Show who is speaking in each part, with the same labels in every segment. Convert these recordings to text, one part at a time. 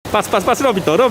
Speaker 1: Patrz, robi to.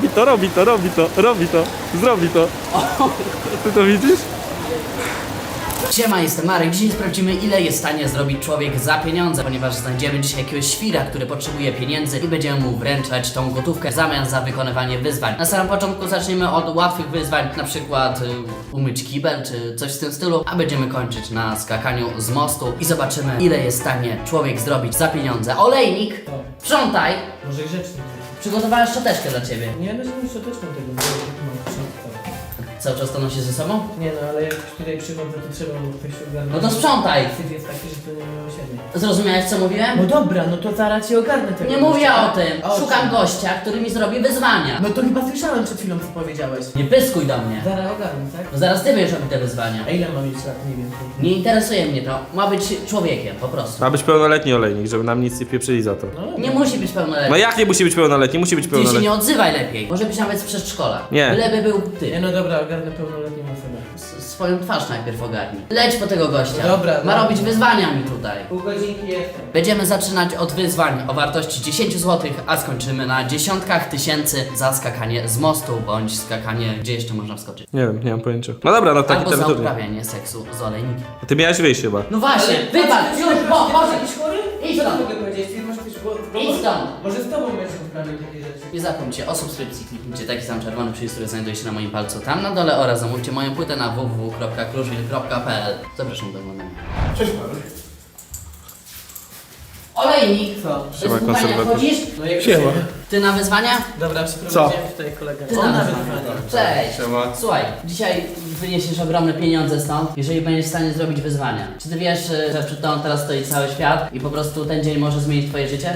Speaker 1: Zrobi to. Ty to widzisz?
Speaker 2: Siema, jestem Marek. Dzisiaj sprawdzimy, ile jest w stanie zrobić człowiek za pieniądze, ponieważ znajdziemy dzisiaj jakiegoś świra, który potrzebuje pieniędzy i będziemy mu wręczać tą gotówkę w zamian za wykonywanie wyzwań. Na samym początku zaczniemy od łatwych wyzwań, na przykład umyć kibel czy coś w tym stylu, a będziemy kończyć na skakaniu z mostu i zobaczymy, ile jest w stanie człowiek zrobić za pieniądze. Olejnik, sprzątaj!
Speaker 3: Może grzecznie.
Speaker 2: Przygotowałem szczoteczkę dla ciebie.
Speaker 3: Nie, no z szczoteczką tego, bo mam sprzątać.
Speaker 2: Cały czas to nosisz ze sobą?
Speaker 3: Nie no, ale jak tutaj przychodzę, to trzeba coś ogarnąć.
Speaker 2: No to sprzątaj!
Speaker 3: Syf jest taki, że to nie miłosiernie.
Speaker 2: Zrozumiałeś, co mówiłem?
Speaker 3: No dobra, no to zaraz ci ogarnę tego.
Speaker 2: Nie mówię
Speaker 3: gościa.
Speaker 2: o tym.
Speaker 3: O
Speaker 2: Szukam
Speaker 3: czym?
Speaker 2: gościa, który mi zrobi wyzwania.
Speaker 3: No to chyba słyszałem przed chwilą, co powiedziałeś.
Speaker 2: Nie pyskuj do mnie.
Speaker 3: Zaraz ogarnę, tak?
Speaker 2: Bo zaraz ty będziesz robić te wyzwania.
Speaker 3: A ile mam mieć lat mniej więcej?
Speaker 2: Nie interesuje mnie to. Ma być człowiekiem, po prostu.
Speaker 1: Ma być pełnoletni olejnik, żeby nam nic nie pieprzyli za to.
Speaker 3: No,
Speaker 2: Nie musi być
Speaker 1: No
Speaker 2: pełnoletni.
Speaker 1: jak nie musi być pełnoletni? Musi być
Speaker 2: Ty się
Speaker 1: pełnoletni.
Speaker 2: nie odzywaj lepiej. Może być nawet z przedszkola.
Speaker 1: Nie.
Speaker 2: Byleby był
Speaker 3: Nie
Speaker 2: ty.
Speaker 3: no dobra, ogarnę pełnoletnią osobę.
Speaker 2: Swoją twarz najpierw ogarnij. Leć po tego gościa.
Speaker 3: Dobra,
Speaker 2: Ma
Speaker 3: dobra.
Speaker 2: robić wyzwania mi tutaj.
Speaker 3: Pół godzinki jestem.
Speaker 2: Będziemy zaczynać od wyzwań o wartości 10 zł, a skończymy na dziesiątkach tysięcy za skakanie z mostu, bądź skakanie, gdzie jeszcze można wskoczyć.
Speaker 1: Nie wiem, nie mam pojęcia. No dobra, no taki
Speaker 2: Albo za
Speaker 1: terytorium.
Speaker 2: uprawianie seksu z olejnikiem.
Speaker 1: Ty miałeś wyjść chyba.
Speaker 2: No właśnie, wybacz, już, może.
Speaker 3: jakiś chory?
Speaker 2: Idź
Speaker 3: Co
Speaker 2: stąd.
Speaker 3: mogę powiedzieć? Ty masz jakieś...
Speaker 2: Idź stąd.
Speaker 3: Może z tobą będziesz uprawiał takie rzeczy.
Speaker 2: Nie zapomnijcie o subskrypcji, kliknijcie taki sam czerwony przycisk, który znajduje się na moim palcu tam na dole oraz zamówcie moją płytę na www.kruszwil.pl. Zapraszam do oglądania.
Speaker 3: Cześć Marek.
Speaker 2: Olejnik!
Speaker 3: Co?
Speaker 2: Bez
Speaker 1: Siema,
Speaker 2: wyzwania
Speaker 1: konserwator.
Speaker 2: wchodzisz?
Speaker 3: No jak
Speaker 4: Siema.
Speaker 2: Ty na wyzwania?
Speaker 3: Dobra,
Speaker 4: Co?
Speaker 3: przeprowadziłem tutaj kolegę.
Speaker 2: Ty
Speaker 3: On
Speaker 2: na
Speaker 3: na
Speaker 2: wyzwania.
Speaker 3: wyzwanie.
Speaker 2: Cześć!
Speaker 1: Siema.
Speaker 2: Słuchaj, dzisiaj wyniesiesz ogromne pieniądze stąd, jeżeli będziesz w stanie zrobić wyzwania. Czy ty wiesz, że przed tobą teraz stoi cały świat i po prostu ten dzień może zmienić twoje życie?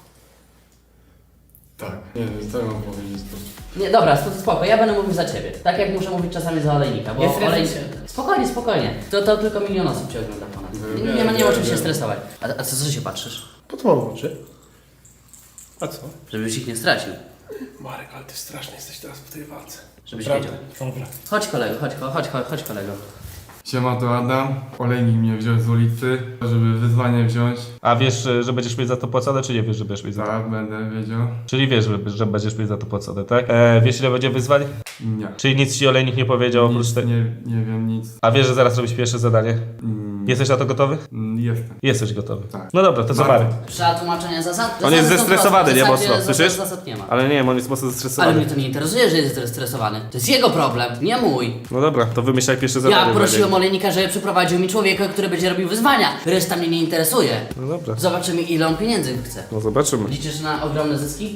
Speaker 4: Tak, nie wiem, co mam powiedzieć.
Speaker 2: Nie, dobra, spoko, ja będę mówił za ciebie. Tak jak muszę mówić czasami za olejnika, bo
Speaker 3: Nie stresuj
Speaker 2: olejnik...
Speaker 3: się.
Speaker 2: Spokojnie. To tylko 1 milion osób cię ogląda ponad. Nie ma o czym się stresować. A co się patrzysz?
Speaker 4: Potwórz oczy. A co?
Speaker 2: Żebyś ich nie stracił.
Speaker 4: Marek, ale ty straszny jesteś teraz po tej walce.
Speaker 2: Żebyś
Speaker 4: Prawda?
Speaker 2: wiedział.
Speaker 4: Dobra.
Speaker 2: Chodź kolego, chodź kolego.
Speaker 5: Siema, to Adam. Olejnik mnie wziął z ulicy, żeby wyzwanie wziąć.
Speaker 1: A wiesz, że będziesz mieć za to płacone, czy nie wiesz, że będziesz mieć za to?
Speaker 5: Tak, będę wiedział.
Speaker 1: Czyli wiesz, że będziesz mieć za to płacone, tak? Wiesz, ile będzie wyzwań?
Speaker 5: Nie.
Speaker 1: Czyli nic ci olejnik nie powiedział oprócz
Speaker 5: Nic,
Speaker 1: tego?
Speaker 5: nie wiem nic.
Speaker 1: A wiesz, że zaraz robisz pierwsze zadanie? Jesteś na to gotowy?
Speaker 5: Jestem.
Speaker 1: Jesteś gotowy.
Speaker 5: Tak.
Speaker 1: No dobra, to co
Speaker 5: Marek.
Speaker 1: Marek?
Speaker 2: Trzeba tłumaczenia zasad?
Speaker 1: On jest
Speaker 2: Zasady są
Speaker 1: zestresowany,
Speaker 2: proste.
Speaker 1: nie
Speaker 2: W zasadzie
Speaker 1: mocno, słyszysz?
Speaker 2: Zasad nie ma.
Speaker 1: Ale nie, on jest mocno
Speaker 2: Ale
Speaker 1: zestresowany.
Speaker 2: mnie to nie interesuje, że jest zestresowany. To jest jego problem, nie mój.
Speaker 1: No dobra, to wymyślaj pierwsze zadanie.
Speaker 2: Ja prosiłem
Speaker 1: Olejnik.
Speaker 2: olejnika, żeby przyprowadził mi człowieka, który będzie robił wyzwania. Reszta mnie nie interesuje.
Speaker 1: No dobra,
Speaker 2: Zobaczymy, ile on pieniędzy chce.
Speaker 1: no zobaczymy.
Speaker 2: Liczysz na ogromne zyski?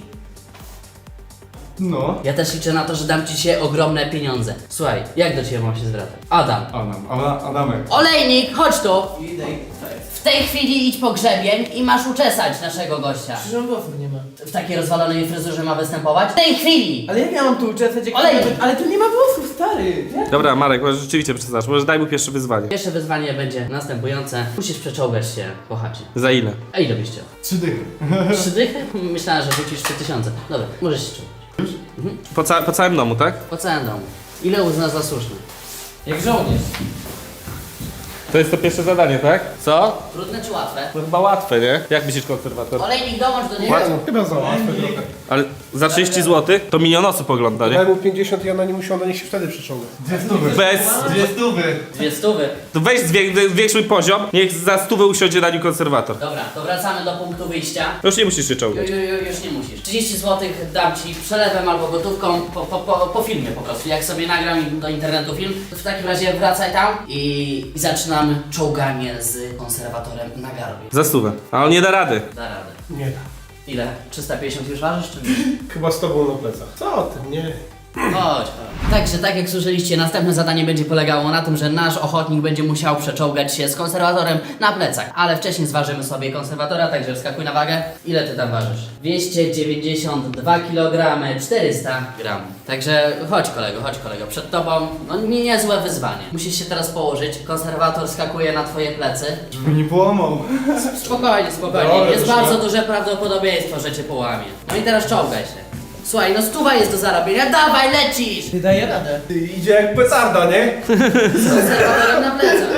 Speaker 5: No.
Speaker 2: Ja też liczę na to, że dam ci się ogromne pieniądze. Słuchaj, jak do ciebie mam się zwracać? Adam.
Speaker 5: Adamek.
Speaker 2: Olejnik, chodź tu!
Speaker 3: Idę.
Speaker 2: W tej chwili idź po grzebień i masz uczesać naszego gościa.
Speaker 3: Przecież on włosów nie ma.
Speaker 2: W takiej rozwalonej fryzurze ma występować? W tej chwili!
Speaker 3: Ale jak ja mam tu uczesać, jak...
Speaker 2: Olej!
Speaker 3: Ale tu nie ma włosów, stary! Jak?
Speaker 1: Dobra, Marek, może rzeczywiście przesadzasz. Może daj mu pierwsze wyzwanie.
Speaker 2: Pierwsze wyzwanie będzie następujące. Musisz przeczołgać się po chacie.
Speaker 1: Za ile?
Speaker 2: A ile byś chciał?
Speaker 5: 3 dychy.
Speaker 2: 3 dychy? Myślałem, że rzucisz 3000. Dobra, możesz się czuć.
Speaker 1: Po całym domu, tak?
Speaker 2: Po całym domu. Ile uznasz za słuszne?
Speaker 3: Jak żołnierz.
Speaker 1: To jest to pierwsze zadanie, tak? Co?
Speaker 2: Trudne czy łatwe?
Speaker 1: No chyba łatwe, nie? Jak myślisz, konserwator?
Speaker 2: Olejnik, dołącz do niego.
Speaker 4: Chyba za łatwe trochę.
Speaker 1: Ale za 30 zł to 1 milion osób ogląda,
Speaker 4: Daj
Speaker 1: nie?
Speaker 4: mu 50 i ona nie musiała, niech się wtedy przeciąga.
Speaker 1: Bez...
Speaker 5: 2 stówy.
Speaker 2: 2 stówy.
Speaker 1: To weź zwiększmy poziom, niech za 100 usiądzie na nim konserwator.
Speaker 2: Dobra, to wracamy do punktu wyjścia.
Speaker 1: Już nie musisz się czołgać.
Speaker 2: Już nie musisz. 30 zł dam ci przelewem albo gotówką po filmie po prostu. Jak sobie nagram do internetu film, to w takim razie wracaj tam i zaczynamy czołganie z konserwatorem na garbie.
Speaker 1: Za 100. A on nie da rady.
Speaker 2: Da radę.
Speaker 4: Nie da.
Speaker 2: Ile? 350 już ważysz czy nie?
Speaker 4: Chyba z tobą na plecach. Co ty? Nie.
Speaker 2: Chodź. Także tak jak słyszeliście, następne zadanie będzie polegało na tym, że nasz ochotnik będzie musiał przeczołgać się z konserwatorem na plecach. Ale wcześniej zważymy sobie konserwatora, także wskakuj na wagę. Ile ty tam ważysz? 292 kg 400 gram. Także chodź kolego, przed tobą no niezłe wyzwanie. Musisz się teraz położyć, konserwator skakuje na twoje plecy.
Speaker 5: Żeby nie połamał.
Speaker 2: Spokojnie,
Speaker 4: Dobra,
Speaker 2: jest
Speaker 4: już
Speaker 2: bardzo
Speaker 4: nie.
Speaker 2: duże prawdopodobieństwo, że cię połamie. No i teraz czołgaj się. Słuchaj, no 100 jest do zarobienia, dawaj, lecisz!
Speaker 3: Ty daje radę.
Speaker 4: Ty idzie jak petarda, nie?
Speaker 2: Z konserwatorem na plecach.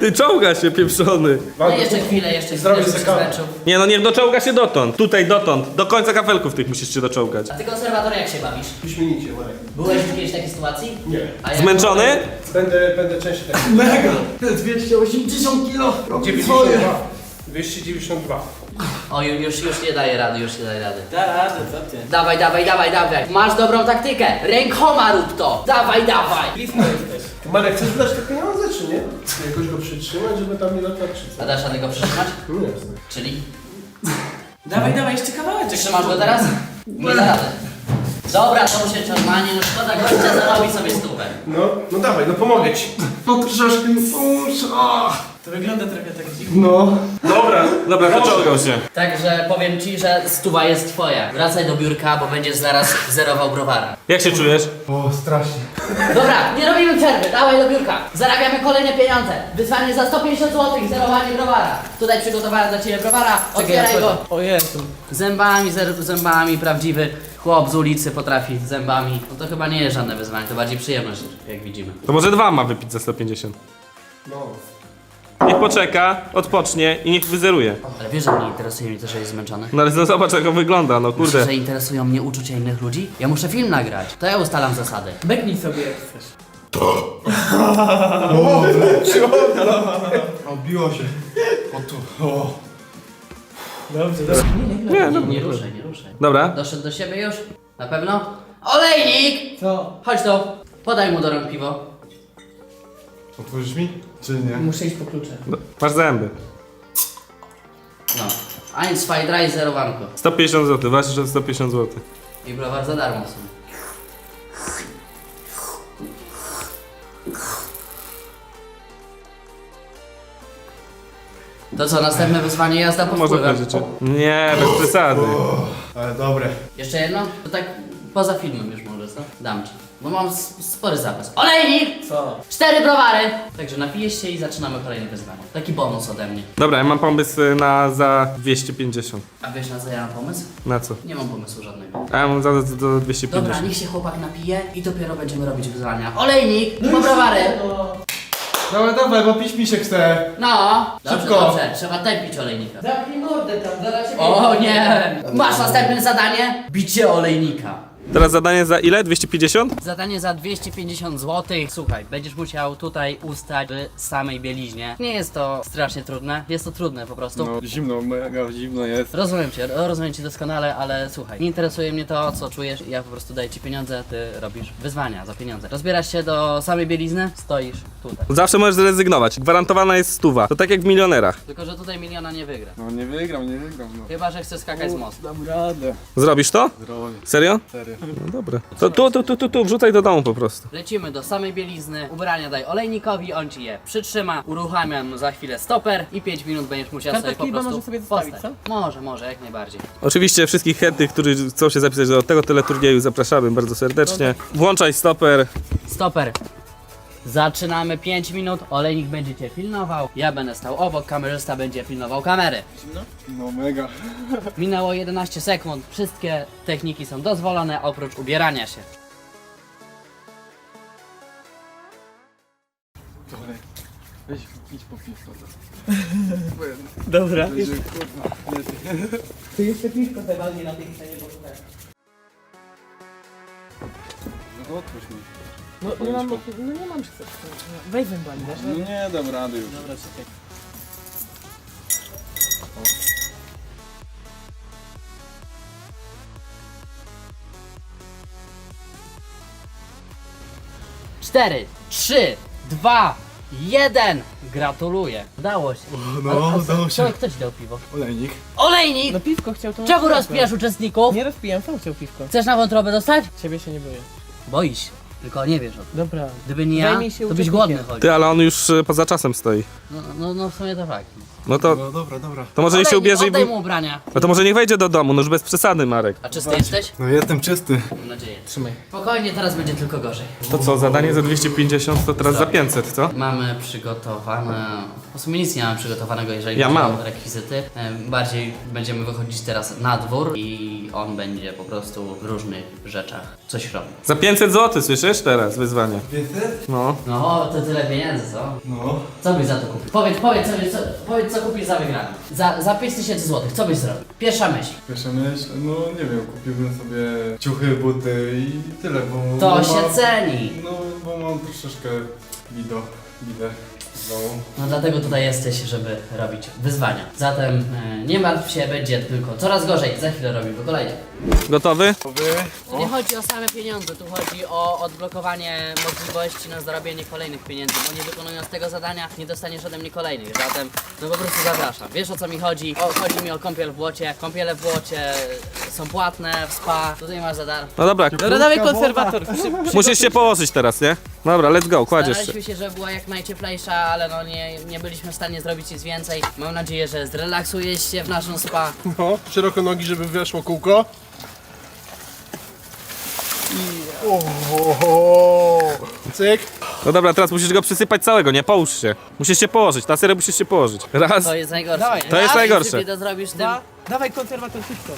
Speaker 1: Ty czołga się, pieprzony.
Speaker 2: No jeszcze chwilę,
Speaker 4: Zrobię
Speaker 2: żeby się
Speaker 4: sekawę.
Speaker 2: zmęczył.
Speaker 1: Nie no, niech doczołga się dotąd. Tutaj, dotąd. Do końca kafelków tych musisz się doczołgać.
Speaker 2: A ty konserwator jak się bawisz?
Speaker 4: Wyśmienicie, Marek.
Speaker 2: Byłeś w jakiejś takiej sytuacji?
Speaker 4: Nie.
Speaker 2: A jak
Speaker 1: Zmęczony?
Speaker 4: Będę częściej tak.
Speaker 3: Mega! 280 kilo!
Speaker 4: 92. 292.
Speaker 2: O, już nie daje rady,
Speaker 3: Da radę, co ty?
Speaker 2: Dawaj. Masz dobrą taktykę. Rękoma rób to. Dawaj.
Speaker 3: Blisko jesteś.
Speaker 4: Ty, Marek, chcesz wydać te pieniądze, czy nie? Jakoś go przytrzymać, żeby tam nie latać, czy co?
Speaker 2: A dasz radę go przytrzymać?
Speaker 4: No jasne.
Speaker 2: Czyli?
Speaker 3: Dawaj, jeszcze kawałeczek.
Speaker 2: Trzymasz go teraz? Nie da rady. Dobra, to się normalnie, no szkoda gościa zarobi sobie stówę.
Speaker 4: No dawaj, no pomogę ci.
Speaker 5: No troszkę mi pomóż.
Speaker 3: To wygląda trochę tak dziwnie.
Speaker 5: No.
Speaker 1: Dobra, doczołgał się.
Speaker 2: Także powiem ci, że stuwa jest twoja. Wracaj do biurka, bo będziesz zaraz zerował browara.
Speaker 1: Jak się czujesz?
Speaker 5: O, strasznie.
Speaker 2: Dobra, nie robimy przerwy, dawaj do biurka. Zarabiamy kolejne pieniądze. Wyzwanie za 150 zł, zerowanie browara. Tutaj przygotowałem dla ciebie browara, otwieraj go.
Speaker 3: O Jezu.
Speaker 2: Zębami, prawdziwy chłop z ulicy potrafi zębami. No to chyba nie jest żadne wyzwanie, to bardziej przyjemność, jak widzimy.
Speaker 1: To może 2 ma wypić za 150.
Speaker 4: No.
Speaker 1: Niech poczeka, odpocznie i niech wyzeruje.
Speaker 2: Ale wiesz, że mnie interesuje mnie to, że jest zmęczony?
Speaker 1: No ale zobacz jak on wygląda, no
Speaker 2: Myślisz,
Speaker 1: kurde.
Speaker 2: że interesują mnie uczucia innych ludzi? Ja muszę film nagrać, to ja ustalam zasady.
Speaker 3: Beknij sobie jak chcesz.
Speaker 5: Obiło się. O tu. O.
Speaker 3: Dobrze, dobrze.
Speaker 2: Nie ruszaj.
Speaker 1: Dobra.
Speaker 2: Doszedł do siebie już? Na pewno? Olejnik!
Speaker 3: Co?
Speaker 2: Chodź tu, podaj mu do rąk piwo.
Speaker 5: Otworzysz mi? Czy nie?
Speaker 3: Muszę iść po klucze.
Speaker 1: No, masz zęby.
Speaker 2: No. 1, 2, 3, zerowanko.
Speaker 1: 150 zł, właśnie, że 150 zł.
Speaker 2: I browar za darmo w sumie. To co, następne wyzwanie jazda pod
Speaker 1: Może
Speaker 2: wpływem.
Speaker 1: powiedzieć. Nie, bez przesady.
Speaker 5: Ale dobre.
Speaker 2: Jeszcze jedno? To tak poza filmem już może, co? Dam ci. Bo mam spory zapas. Olejnik!
Speaker 3: Co?
Speaker 2: 4 browary! Także napijesz się i zaczynamy kolejne wyzwanie. Taki bonus ode mnie.
Speaker 1: Dobra, ja mam pomysł na za 250.
Speaker 2: A wiesz na co ja mam pomysł?
Speaker 1: Na co?
Speaker 2: Nie mam pomysłu żadnego.
Speaker 1: A ja mam za 250.
Speaker 2: Dobra, niech się chłopak napije i dopiero będziemy robić wyzwania. Olejnik! Po browary!
Speaker 5: Dawaj, bo pić mi się chce.
Speaker 2: No!
Speaker 5: Szybko.
Speaker 2: Dobrze, trzeba tępić olejnika.
Speaker 3: Zamknij mordę tam, zaraz się
Speaker 2: O nie! Masz następne zadanie? Bicie olejnika.
Speaker 1: Teraz zadanie za ile? 250?
Speaker 2: Zadanie za 250 zł. Słuchaj, będziesz musiał tutaj ustać w samej bieliźnie. Nie jest to strasznie trudne, jest to trudne po prostu.
Speaker 5: No zimno, mega zimno jest.
Speaker 2: Rozumiem cię doskonale, ale słuchaj, nie interesuje mnie to, co czujesz, ja po prostu daję ci pieniądze, ty robisz wyzwania za pieniądze. Rozbierasz się do samej bielizny, stoisz tutaj.
Speaker 1: Zawsze możesz zrezygnować. Gwarantowana jest stuwa. To tak jak w milionerach.
Speaker 2: Tylko, że tutaj miliona nie wygra.
Speaker 5: No nie wygram, no.
Speaker 2: Chyba, że chcesz skakać z mostu.
Speaker 5: Dam radę.
Speaker 1: Zrobisz to?
Speaker 5: Zrobię.
Speaker 1: Serio?
Speaker 5: Serio.
Speaker 1: No dobra. To tu, wrzucaj do domu po prostu.
Speaker 2: Lecimy do samej bielizny, ubrania daj olejnikowi, on ci je przytrzyma, uruchamiam za chwilę stoper i 5 minut będziesz musiał sobie po
Speaker 3: Kartotki
Speaker 2: prostu
Speaker 3: może sobie zostawić,
Speaker 2: postać. Może, jak najbardziej.
Speaker 1: Oczywiście wszystkich chętnych, którzy chcą się zapisać do tego teleturnieju, zapraszamy bardzo serdecznie. Włączaj stoper.
Speaker 2: Stoper. Zaczynamy 5 minut, olejnik będzie cię pilnował, ja będę stał obok, kamerzysta będzie pilnował kamery.
Speaker 5: No mega.
Speaker 2: Minęło 11 sekund, wszystkie techniki są dozwolone oprócz ubierania się.
Speaker 5: Dobra. Weź, idź po piwko.
Speaker 3: Dobra.
Speaker 5: Kurwa, nie ty.
Speaker 3: Ty jeszcze piwko zawalnie na tej scenie, bo tak.
Speaker 5: No to otwórz mi.
Speaker 3: No nie mam, nie mam czy coś. Weź zębami, dasz?
Speaker 5: No nie dam rady już.
Speaker 3: Dobra, czekaj.
Speaker 2: Cztery, 3, 2, 1. Gratuluję. Udało się.
Speaker 5: udało się.
Speaker 2: Kto ci dał piwo?
Speaker 5: Olejnik.
Speaker 2: Olejnik!
Speaker 3: No piwko chciał to...
Speaker 2: Czemu rozpijasz uczestników?
Speaker 3: Nie rozpijam, sam chciał piwko.
Speaker 2: Chcesz na wątrobę dostać?
Speaker 3: Ciebie się nie boję.
Speaker 2: Boisz się. Tylko nie wiesz o tym.
Speaker 3: Dobra.
Speaker 2: Gdyby nie ja,
Speaker 3: Zajmij się
Speaker 2: to byś
Speaker 3: uczestnikiem.
Speaker 2: głodny chodził.
Speaker 1: Ty, ale on już poza czasem stoi.
Speaker 2: No w sumie to fakt.
Speaker 1: No to,
Speaker 5: No dobra.
Speaker 1: to może niech się ubierze i...
Speaker 2: Oddaj mu ubrania.
Speaker 1: No to może niech wejdzie do domu, no już bez przesady, Marek.
Speaker 2: A czysty jesteś?
Speaker 5: No jestem czysty.
Speaker 2: Mam nadzieję.
Speaker 3: Trzymaj.
Speaker 2: Spokojnie, teraz będzie tylko gorzej.
Speaker 1: To co, zadanie za 250 to teraz za 500, co?
Speaker 2: Mamy przygotowane... W sumie nic nie mamy przygotowanego, jeżeli
Speaker 1: Ja
Speaker 2: chodzi
Speaker 1: mam.
Speaker 2: o rekwizyty. Bardziej będziemy wychodzić teraz na dwór i on będzie po prostu w różnych rzeczach coś robił.
Speaker 1: Za 500 zł, słyszysz teraz wyzwanie?
Speaker 5: 500?
Speaker 1: No.
Speaker 2: No, to tyle pieniędzy, co?
Speaker 5: No.
Speaker 2: Co byś za to kupił? Powiedz co kupisz za wygraną. Za 5000 zł, co byś zrobił? Pierwsza myśl.
Speaker 5: Pierwsza myśl, no nie wiem, kupiłbym sobie ciuchy, buty i tyle, bo...
Speaker 2: To
Speaker 5: bo
Speaker 2: się ceni.
Speaker 5: No, bo mam troszeczkę widę w domu.
Speaker 2: No dlatego tutaj jesteś, żeby robić wyzwania. Zatem nie martw się, będzie tylko coraz gorzej. Za chwilę robimy kolejne.
Speaker 1: Gotowy?
Speaker 2: Tu nie chodzi o same pieniądze, tu chodzi o odblokowanie możliwości na zarobienie kolejnych pieniędzy, bo nie wykonując tego zadania nie dostaniesz ode mnie kolejnych, zatem no po prostu zapraszam. Wiesz o co mi chodzi? Chodzi mi o kąpiel w błocie. Kąpiele w błocie są płatne, w spa, tutaj masz za darmo.
Speaker 1: No dobra,
Speaker 3: Dobra, dawaj konserwator.
Speaker 1: musisz się położyć teraz, nie? Dobra, let's go, kładziesz się.
Speaker 2: Staraliśmy się, żeby była jak najcieplejsza, ale no nie byliśmy w stanie zrobić nic więcej. Mam nadzieję, że zrelaksujesz się w naszą spa.
Speaker 4: No, szeroko nogi, żeby weszło kółko. Cyk.
Speaker 1: No dobra, teraz musisz go przysypać całego, nie? Połóż się. Musisz się położyć, na serio musisz się położyć. Raz.
Speaker 2: To jest najgorsze.
Speaker 3: Dawaj.
Speaker 2: nie?
Speaker 1: To jest
Speaker 2: Raz
Speaker 1: najgorsze.
Speaker 2: sypie, to zrobisz tym.
Speaker 3: Dawaj konserwator szybko.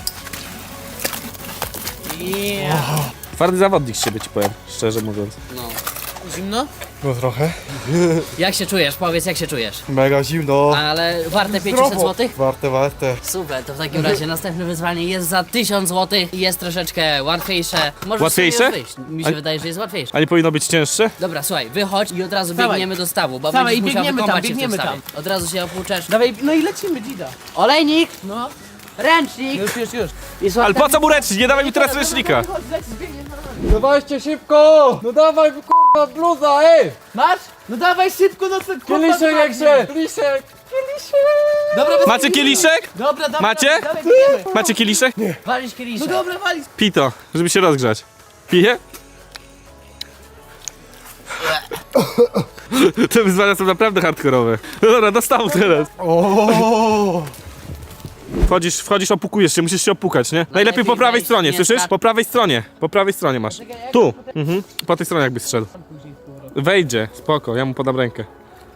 Speaker 1: Twardy zawodnik z siebie ci powiem, szczerze mówiąc.
Speaker 2: No.
Speaker 3: Zimno?
Speaker 5: No trochę.
Speaker 2: Jak się czujesz? Powiedz, jak się czujesz?
Speaker 5: Mega zimno.
Speaker 2: Ale warte 500 zł?
Speaker 5: Warte.
Speaker 2: Super, to w takim razie następne wyzwanie jest za 1000 zł i jest troszeczkę łatwiejsze. Możesz
Speaker 1: Łatwiejsze?
Speaker 2: sobie już wyjść. Mi się
Speaker 1: A-
Speaker 2: wydaje, że jest łatwiejsze.
Speaker 1: A nie powinno być cięższe?
Speaker 2: Dobra, słuchaj, wychodź i od razu
Speaker 3: Dawaj.
Speaker 2: biegniemy do stawu, bo
Speaker 3: Dawaj,
Speaker 2: będziesz musiał
Speaker 3: biegniemy tam,
Speaker 2: wykąpać się w tym
Speaker 3: biegniemy
Speaker 2: stawie. Od razu się opłuczesz.
Speaker 3: Dawaj, no i lecimy, Dzida.
Speaker 2: Olejnik,
Speaker 3: No,
Speaker 2: ręcznik
Speaker 3: już.
Speaker 2: i słuchaj.
Speaker 1: Ale po co mu ręcznik? Nie dawaj mi teraz ręcznika.
Speaker 3: Chodź, leć, zbiegnie na nami.
Speaker 6: Dawajcie szybko! No dawaj kurwa bluza, ej!
Speaker 3: Masz? No dawaj szybko, no co?
Speaker 6: Kieliszek jak się! Kieliszek!
Speaker 3: Dobra, bez
Speaker 1: Macie kieliszek?
Speaker 3: Dobra,
Speaker 1: Macie?
Speaker 3: Dawaj, biegniemy.
Speaker 1: Macie kieliszek?
Speaker 2: Walisz kieliszek.
Speaker 3: No dobra, walić.
Speaker 1: Pij to, żeby się rozgrzać. Pije? Te wyzwania są naprawdę hardkorowe. No dobra, do stawu teraz. Wchodzisz, opukujesz się, musisz się opukać, nie? Najlepiej po prawej
Speaker 2: wejść,
Speaker 1: stronie,
Speaker 2: nie
Speaker 1: słyszysz?
Speaker 2: skacz.
Speaker 1: Po prawej stronie masz. Tu, po tej stronie jakbyś strzedł. Wejdzie, spoko, ja mu podam rękę.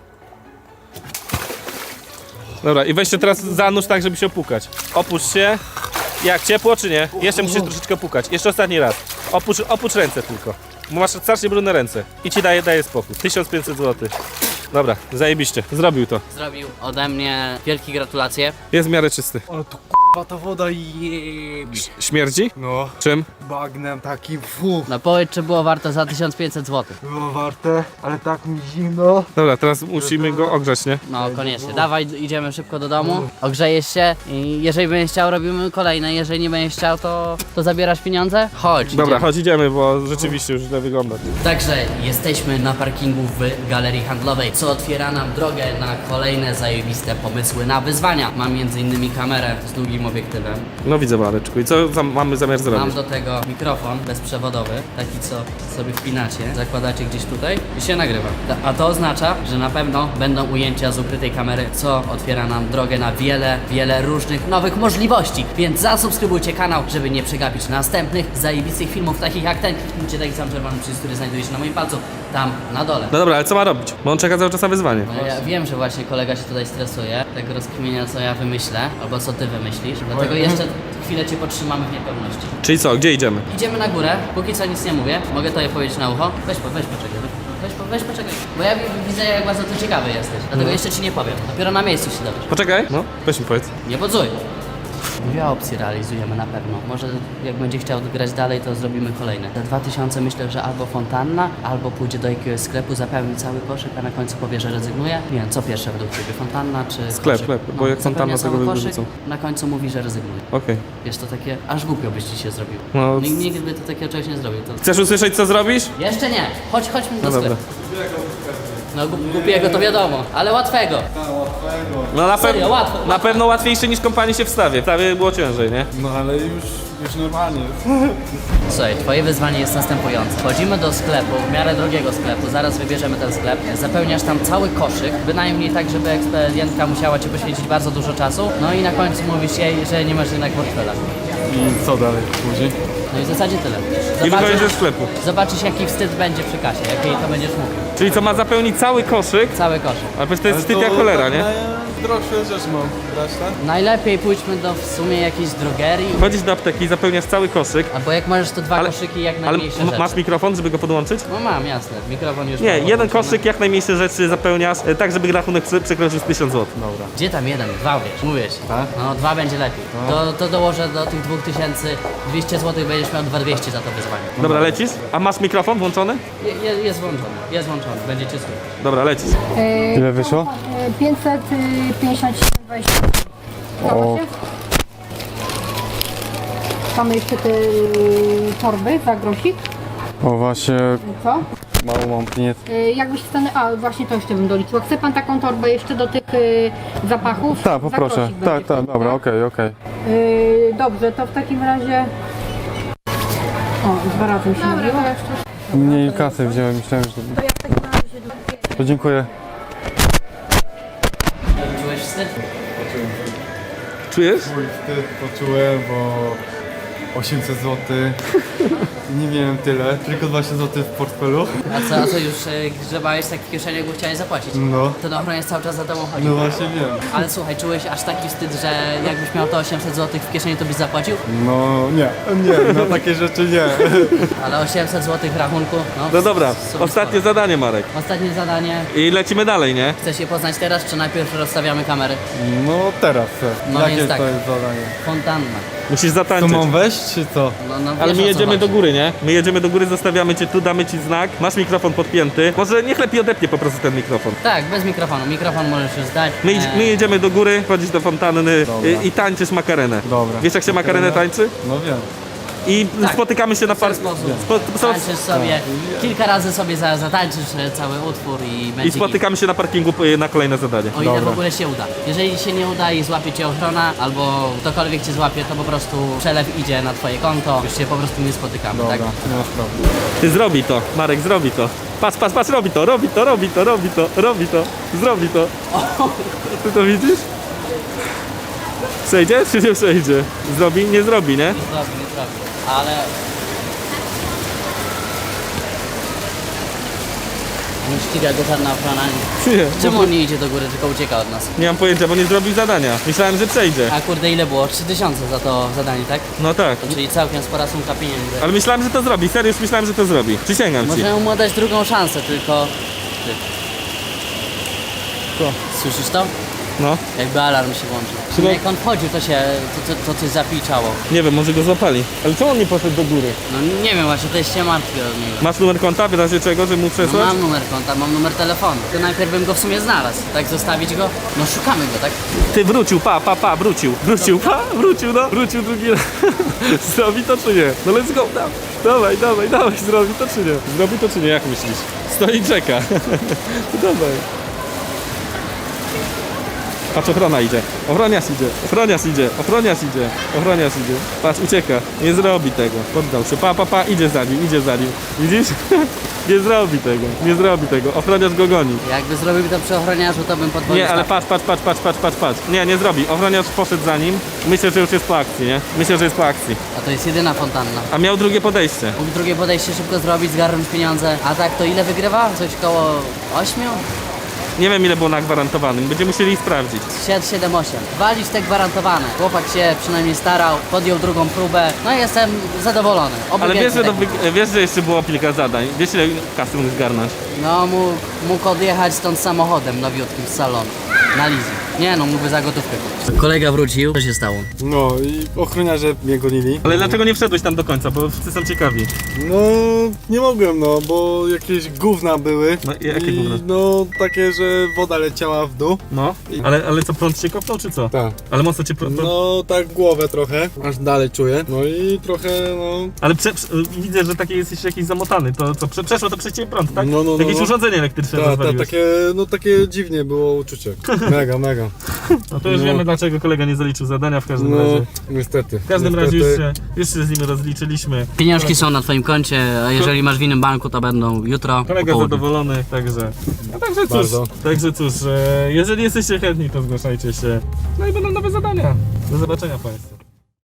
Speaker 1: Dobra, i weź się teraz zanurz tak, żeby się opukać. Opuść się. Jak, ciepło czy nie? Jeszcze musisz troszeczkę opukać. Jeszcze ostatni raz. Opucz ręce tylko. Bo masz strasznie brudne ręce. I ci daje spokój. 1500 zł. Dobra, zajebiście. Zrobił to.
Speaker 2: Zrobił ode mnie wielkie gratulacje.
Speaker 1: Jest w miarę czysty.
Speaker 5: Ale tu kurwa ta woda jebie.
Speaker 1: Śmierdzi?
Speaker 5: No,
Speaker 1: Czym?
Speaker 5: bagnem taki fu.
Speaker 2: No powiedz, czy było warto za 1500 zł.
Speaker 5: Było warte, ale tak mi zimno.
Speaker 1: Dobra, teraz musimy go ogrzać, nie?
Speaker 2: No koniecznie. Dawaj, idziemy szybko do domu, ogrzejesz się i jeżeli będziesz chciał, robimy kolejne. Jeżeli nie będziesz chciał, to zabierasz pieniądze? Chodź.
Speaker 1: Dobra,
Speaker 2: idziemy.
Speaker 1: chodź idziemy, bo rzeczywiście już źle wygląda.
Speaker 2: Także jesteśmy na parkingu w galerii handlowej, co otwiera nam drogę na kolejne zajebiste pomysły na wyzwania. Mam m.in. kamerę z długim obiektywem.
Speaker 1: No widzę, Mareczku. I co mamy zamiar
Speaker 2: Mam
Speaker 1: zrobić?
Speaker 2: do tego mikrofon bezprzewodowy, taki co sobie wpinacie, zakładacie gdzieś tutaj i się nagrywa. A to oznacza, że na pewno będą ujęcia z ukrytej kamery, co otwiera nam drogę na wiele różnych nowych możliwości. Więc zasubskrybujcie kanał, żeby nie przegapić następnych zajebistych filmów, takich jak ten. Kliknijcie taki sam czerwony przycisk, który znajduje się na moim palcu, tam na dole.
Speaker 1: No dobra, ale co ma robić? Bo on czeka cały czas na wyzwanie.
Speaker 2: No ja wiem, że właśnie kolega się tutaj stresuje, tego rozkminienia, co ja wymyślę, albo co ty wymyślisz, dlatego jeszcze chwilę cię podtrzymamy w niepewności.
Speaker 1: Czyli co, gdzie idziemy?
Speaker 2: Idziemy na górę, póki co nic nie mówię, mogę to je powiedzieć na ucho. Weź poczekaj, weź poczekaj, bo ja widzę, jak bardzo ty ciekawy jesteś, dlatego jeszcze ci nie powiem, dopiero na miejscu się dowiesz.
Speaker 1: Poczekaj. No, weź mi powiedz.
Speaker 2: Nie podzuj. Dwie opcje realizujemy na pewno. Może jak będzie chciał grać dalej, to zrobimy kolejne. Za 2000 myślę, że albo fontanna, albo pójdzie do jakiegoś sklepu, zapełni cały koszyk, a na końcu powie, że rezygnuje. Nie wiem, co pierwsze według ciebie, fontanna czy
Speaker 1: Sklep,
Speaker 2: koszyk?
Speaker 1: bo jak
Speaker 2: zapełnia
Speaker 1: fontanna, to
Speaker 2: cały
Speaker 1: go
Speaker 2: koszyk,
Speaker 1: wyrzucą.
Speaker 2: na końcu mówi, że rezygnuje.
Speaker 1: Okej.
Speaker 2: Wiesz, to takie, aż głupio byś ci się zrobił.
Speaker 1: No,
Speaker 2: Nikt by to takiego czegoś nie zrobił. To...
Speaker 1: Chcesz usłyszeć, co zrobisz?
Speaker 2: Jeszcze nie, chodźmy do
Speaker 1: No dobra.
Speaker 2: sklepu. No głupiego to wiadomo, ale łatwego.
Speaker 1: No
Speaker 2: Serio, łatwo.
Speaker 1: na pewno łatwiejsze niż kąpanie się w stawie. W stawie było ciężej, nie?
Speaker 5: No ale już już normalnie jest.
Speaker 2: Słuchaj, twoje wyzwanie jest następujące. Wchodzimy do sklepu, w miarę drogiego sklepu, zaraz wybierzemy ten sklep, zapełniasz tam cały koszyk, bynajmniej tak, żeby ekspedientka musiała ci poświęcić bardzo dużo czasu, no i na końcu mówisz jej, że nie masz jednak portfela.
Speaker 5: I co dalej później?
Speaker 2: No i w zasadzie tyle.
Speaker 1: I wychodzisz ze sklepu.
Speaker 2: Zobaczysz jaki wstyd będzie przy kasie, jak jej to będziesz mówił.
Speaker 1: Czyli co, ma zapełnić cały koszyk?
Speaker 2: Cały koszyk.
Speaker 1: Ale przecież to jest wstyd jak cholera, nie?
Speaker 5: Droższe rzecz mam brać, tak?
Speaker 2: Najlepiej pójdźmy do w sumie jakiejś drogerii,
Speaker 1: Chodzisz do apteki i zapełniasz cały koszyk.
Speaker 2: albo jak możesz to dwa koszyki jak
Speaker 1: Ale
Speaker 2: najmniejsze rzeczy.
Speaker 1: masz mikrofon, żeby go podłączyć?
Speaker 2: No mam, jasne. Mikrofon już
Speaker 1: Nie,
Speaker 2: mam
Speaker 1: jeden
Speaker 2: podłączony.
Speaker 1: koszyk, jak najmniejsze rzeczy zapełniasz, tak żeby rachunek przekroczył z 1000 zł.
Speaker 5: Dobra.
Speaker 2: Gdzie tam jeden? Dwa wiesz, mówię ci.
Speaker 5: Tak?
Speaker 2: No dwa będzie lepiej. To dołożę do tych 2200 zł, będziesz miał 2200 za to wyzwanie.
Speaker 1: Dobra, lecisz? A masz mikrofon włączony?
Speaker 2: Jest włączony, będziecie słyszeć.
Speaker 1: Dobra, lecisz.
Speaker 5: Ile wyszło?
Speaker 7: 557,20.
Speaker 5: O.
Speaker 7: Mamy jeszcze te torby za grosik.
Speaker 5: O właśnie,
Speaker 7: Co?
Speaker 5: mało mam pieniędzy.
Speaker 7: Jakbyś wstanę... A, właśnie to jeszcze bym doliczyła. Chce pan taką torbę jeszcze do tych zapachów?
Speaker 5: Tak,
Speaker 7: Za
Speaker 5: poproszę.
Speaker 7: grosik będzie
Speaker 5: Tak, tak,
Speaker 7: pan,
Speaker 5: dobra, okej, okej.
Speaker 7: Dobrze, to w takim razie... O, 2 razy mi się mówiło.
Speaker 5: Mniej kasy wziąłem, myślałem, że...
Speaker 7: To ja w takim razie...
Speaker 5: To dziękuję.
Speaker 2: Czułeś wstyd?
Speaker 1: Czujesz?
Speaker 5: Mój wstyd poczułem, bo 800 zł. Nie miałem tyle, tylko 20 zł w portfelu.
Speaker 2: A co już grzebałeś tak w kieszeni, jakby chciałeś zapłacić?
Speaker 5: No,
Speaker 2: Ten ochroniarz cały czas za tobą chodzi.
Speaker 5: no właśnie wiem.
Speaker 2: Ale słuchaj, czułeś aż taki wstyd, że jakbyś miał to 800 zł w kieszeni, to byś zapłacił?
Speaker 5: No nie, na takie rzeczy nie.
Speaker 2: Ale 800 zł w rachunku,
Speaker 1: No dobra,
Speaker 2: super
Speaker 1: ostatnie zadanie, Marek.
Speaker 2: sporo. Ostatnie zadanie.
Speaker 1: I lecimy dalej, nie?
Speaker 2: Chcesz je poznać teraz, czy najpierw rozstawiamy kamery?
Speaker 5: No teraz chcę.
Speaker 2: No
Speaker 5: Jakie
Speaker 2: więc tak.
Speaker 5: to jest zadanie?
Speaker 2: Fontanna.
Speaker 1: Musisz
Speaker 5: To
Speaker 1: zatańczyć.
Speaker 5: mam wejść, czy co?
Speaker 2: No,
Speaker 1: Ale
Speaker 2: wiesz,
Speaker 1: my
Speaker 2: o co
Speaker 1: jedziemy do
Speaker 2: chodzi.
Speaker 1: góry, nie? My jedziemy do góry, zostawiamy cię tu, damy ci znak. Masz mikrofon podpięty. Może niech lepiej odepnie po prostu ten mikrofon.
Speaker 2: Tak, bez mikrofonu. Mikrofon możesz już zdać.
Speaker 1: My jedziemy do góry, chodzisz do fontanny
Speaker 5: Dobra.
Speaker 1: i tańczysz makarenę.
Speaker 5: Dobra.
Speaker 1: Wiesz jak się makarenę tańczy?
Speaker 5: No wiem.
Speaker 1: I
Speaker 2: Tak.
Speaker 1: spotykamy się na
Speaker 2: w ten
Speaker 1: parku.
Speaker 2: sposób. Tańczysz sobie, kilka razy sobie zatańczysz cały utwór i będzie
Speaker 1: I spotykamy się na parkingu na kolejne zadanie.
Speaker 2: O ile
Speaker 5: Dobra.
Speaker 2: w ogóle się uda. Jeżeli się nie uda i złapie cię ochrona, albo ktokolwiek cię złapie, to po prostu przelew idzie na twoje konto, już się po prostu nie spotykamy,
Speaker 5: Dobra,
Speaker 2: tak?
Speaker 5: nie ma sprawy.
Speaker 1: Ty zrobi to, Marek, zrobi to. Patrz, patrz, patrz, robi to, robi to, robi to, robi to, robi to, zrobi to. Ty to widzisz? Przejdzie czy nie przejdzie? Zrobi? Nie zrobi, nie?
Speaker 2: Nie zrobi, ale... Nie ściga go żadna ochrona.
Speaker 1: Nie.
Speaker 2: Czemu on nie idzie do góry, tylko ucieka od nas?
Speaker 1: Nie mam pojęcia, bo nie zrobił zadania. Myślałem, że przejdzie.
Speaker 2: A kurde, ile było? 3000 za to zadanie, tak?
Speaker 1: No tak.
Speaker 2: Czyli całkiem spora sumka pieniędzy.
Speaker 1: Ale myślałem, że to zrobi. Serio, już myślałem, że to zrobi. Przysięgam ci.
Speaker 2: Możemy mu dać drugą szansę, tylko... Ty.
Speaker 1: Co?
Speaker 2: Słyszysz to?
Speaker 1: No.
Speaker 2: Jakby alarm się włączył.
Speaker 1: Chyba-
Speaker 2: Jak on wchodził, to coś zapiczało.
Speaker 1: Nie wiem, może go złapali. Ale czemu on nie poszedł do góry?
Speaker 2: No nie wiem, właśnie to jest się martwię od niego.
Speaker 1: Masz numer konta, w razie czego, że mu
Speaker 2: No
Speaker 1: przesłać?
Speaker 2: mam numer konta, mam numer telefonu. To najpierw bym go w sumie znalazł. Tak zostawić go? No szukamy go, tak?
Speaker 1: Ty wrócił, wrócił. Wrócił, wrócił, no. Wrócił drugi raz. Zrobi to czy nie? No let's go, dawaj, zrobi to czy nie? Zrobi to czy nie, jak myślisz? Stoi i czeka. Dawaj. Patrz, ochrona idzie. Ochroniarz idzie. Ochroniarz idzie. Patrz, ucieka. Nie zrobi tego. Poddał się. Idzie za nim. Widzisz? Nie zrobi tego. Ochroniarz go goni.
Speaker 2: Jakby zrobił to przy ochroniarzu, to bym podwoił
Speaker 1: Nie, ale
Speaker 2: stawkę.
Speaker 1: patrz. Nie zrobi. Ochroniarz poszedł za nim. Myślę, że już jest po akcji, nie?
Speaker 2: A to jest jedyna fontanna.
Speaker 1: A miał drugie podejście.
Speaker 2: Mógł drugie podejście szybko zrobić, zgarnąć pieniądze. A tak to ile wygrywa? Coś koło 8?
Speaker 1: Nie wiem, ile było na gwarantowanym. Będziemy musieli sprawdzić.
Speaker 2: 7, 8. Walić te gwarantowane. Chłopak się przynajmniej starał, podjął drugą próbę. No i jestem zadowolony. Oby
Speaker 1: Ale
Speaker 2: więcej
Speaker 1: wiesz, że jeszcze było kilka zadań. Wiesz, ile kasy mógł zgarnąć?
Speaker 2: No mógł odjechać stąd samochodem nowiutkim z salonu. Na leasing. Nie no, mógłby za gotówkę kupić. Kolega wrócił. Co się stało?
Speaker 5: No i ochroniarze mnie gonili.
Speaker 1: Ale dlaczego nie wszedłeś tam do końca? Bo wszyscy są ciekawi.
Speaker 5: No nie mogłem, no, bo jakieś gówna były.
Speaker 1: No, jakie
Speaker 5: I,
Speaker 1: gówna?
Speaker 5: no takie, że woda leciała w dół.
Speaker 1: No. Ale co, prąd cię kopnął, czy co?
Speaker 5: Tak.
Speaker 1: Ale mocno cię
Speaker 5: No tak głowę trochę, aż dalej czuję. No i trochę, no...
Speaker 1: Ale widzę, że taki jesteś jakiś zamotany. To co, przeszło to przez ciebie prąd, tak?
Speaker 5: No.
Speaker 1: Jakieś urządzenie elektryczne rozwaliłeś.
Speaker 5: takie dziwnie było uczucie. Mega.
Speaker 1: No to już wiemy, dlaczego kolega nie zaliczył zadania w każdym razie.
Speaker 5: Niestety.
Speaker 1: W każdym razie już się z nim rozliczyliśmy.
Speaker 2: Pieniążki są na twoim koncie, a jeżeli masz w innym banku, to będą jutro.
Speaker 1: Kolega
Speaker 2: po południu.
Speaker 1: zadowolony, także cóż, jeżeli jesteście chętni, to zgłaszajcie się. No i będą nowe zadania. Do zobaczenia Państwu.